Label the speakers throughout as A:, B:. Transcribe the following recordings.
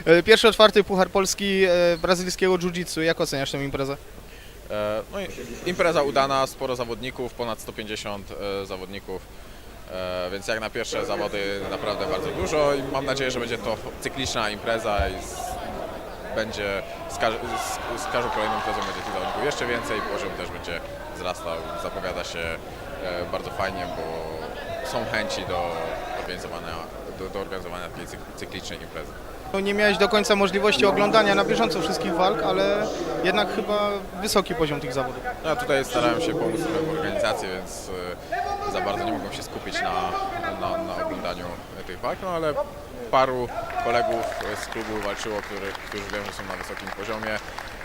A: Pierwszy otwarty Puchar Polski brazylijskiego jiu-jitsu. Jak oceniasz tę imprezę?
B: No impreza udana, sporo zawodników, ponad 150 zawodników, więc jak na pierwsze zawody naprawdę bardzo dużo i mam nadzieję, że będzie to cykliczna impreza i będzie z każdą kolejną imprezą będzie tych zawodników jeszcze więcej, poziom też będzie wzrastał, zapowiada się bardzo fajnie, bo są chęci do organizowania takiej cyklicznej imprezy.
A: Nie miałeś do końca możliwości oglądania na bieżąco wszystkich walk, ale jednak chyba wysoki poziom tych zawodów.
B: Ja tutaj starałem się pomóc w organizacji, więc za bardzo nie mogłem się skupić na oglądaniu tych walk, no ale paru kolegów z klubu walczyło, którzy wiem, że są na wysokim poziomie.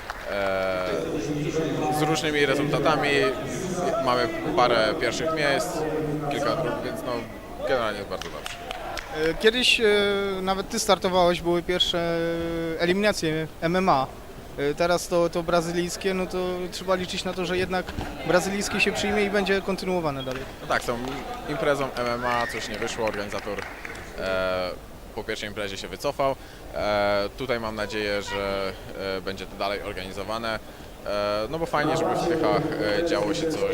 B: Z różnymi rezultatami. Mamy parę pierwszych miejsc, kilka drugich, więc no, generalnie jest bardzo dobrze.
A: Kiedyś nawet ty startowałeś, były pierwsze eliminacje MMA. Teraz to brazylijskie, no to trzeba liczyć na to, że jednak brazylijskie się przyjmie i będzie kontynuowane dalej.
B: No tak, są imprezą MMA, coś nie wyszło, organizator po pierwszej imprezie się wycofał. Tutaj mam nadzieję, że będzie to dalej organizowane, no bo fajnie, żeby w Tychach działo się coś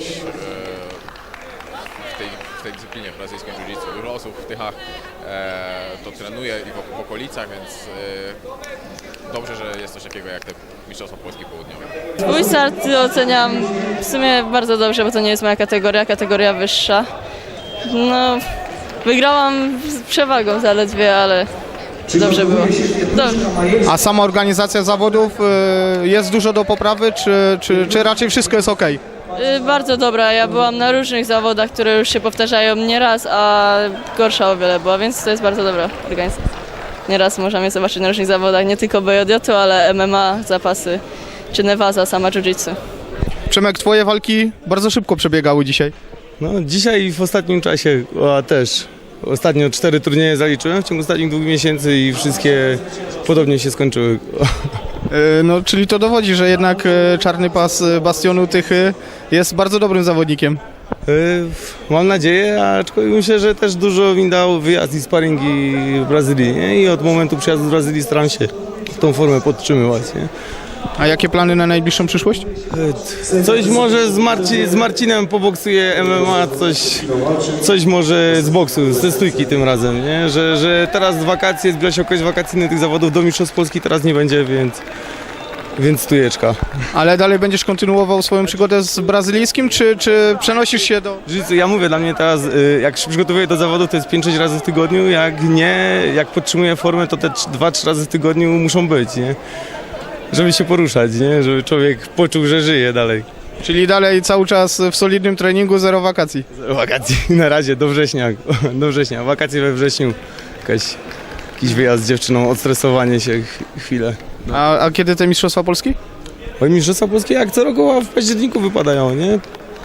B: w tej dyscyplinie w brazylijskim jiu-jitsu. Dużo osób w Tychach to trenuje i w okolicach, więc dobrze, że jest coś takiego jak te Mistrzostwa Polski Południowe.
C: Swój start oceniam w sumie bardzo dobrze, bo to nie jest moja kategoria wyższa. No, wygrałam z przewagą zaledwie, ale dobrze było. Dobrze.
A: A sama organizacja zawodów, jest dużo do poprawy, czy raczej wszystko jest ok?
C: Bardzo dobra, ja byłam na różnych zawodach, które już się powtarzają nieraz, a gorsza o wiele była, więc to jest bardzo dobra organizacja. Nieraz możemy zobaczyć na różnych zawodach, nie tylko BJJ, ale MMA, zapasy, czy Nevaza, sama jiu-jitsu.
A: Przemek, twoje walki bardzo szybko przebiegały dzisiaj.
D: No, dzisiaj w ostatnim czasie też. Ostatnio 4 turnieje zaliczyłem w ciągu ostatnich 2 miesięcy i wszystkie podobnie się skończyły.
A: No, czyli to dowodzi, że jednak czarny pas Bastionu Tychy jest bardzo dobrym zawodnikiem.
D: Mam nadzieję, aczkolwiek myślę, że też dużo mi dał wyjazd i sparingi w Brazylii, nie? I od momentu przyjazdu z Brazylii staram się tą formę podtrzymywać. Nie?
A: A jakie plany na najbliższą przyszłość?
D: Coś może z Marcinem poboksuję MMA, coś może z boksu, ze stójki tym razem, nie? Że teraz wakacje, zbliża się okres wakacyjny tych zawodów, do Mistrzostw Polski teraz nie będzie, więc stójeczka.
A: Ale dalej będziesz kontynuował swoją przygodę z brazylijskim, czy przenosisz się do...
D: Jiu-jitsu, ja mówię, dla mnie teraz, jak się przygotowuję do zawodów, to jest 5-6 razy w tygodniu, jak podtrzymuję formę, to te 2-3 razy w tygodniu muszą być, nie? Żeby się poruszać, nie? Żeby człowiek poczuł, że żyje dalej.
A: Czyli dalej cały czas w solidnym treningu, zero wakacji.
D: Wakacji na razie, do września. Wakacje we wrześniu. Jakiś wyjazd z dziewczyną, odstresowanie się chwilę.
A: A kiedy te Mistrzostwa Polski?
D: Oj, Mistrzostwa Polskie jak co roku w październiku wypadają, nie?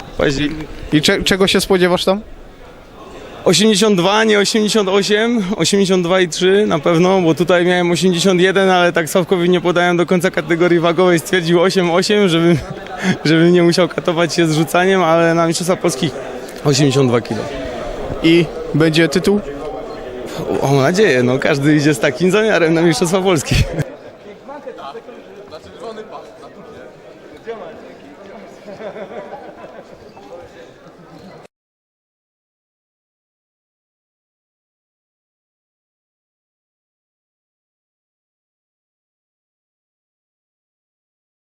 A: I czego się spodziewasz tam?
D: 82, nie 88, 82,3 na pewno, bo tutaj miałem 81, ale tak Sławkowi nie podałem do końca kategorii wagowej, stwierdził 8,8, żebym nie musiał katować się z rzucaniem, ale na Mistrzostwa Polskich 82 kg.
A: I będzie tytuł?
D: Mam nadzieję, no każdy idzie z takim zamiarem na Mistrzostwa Polski.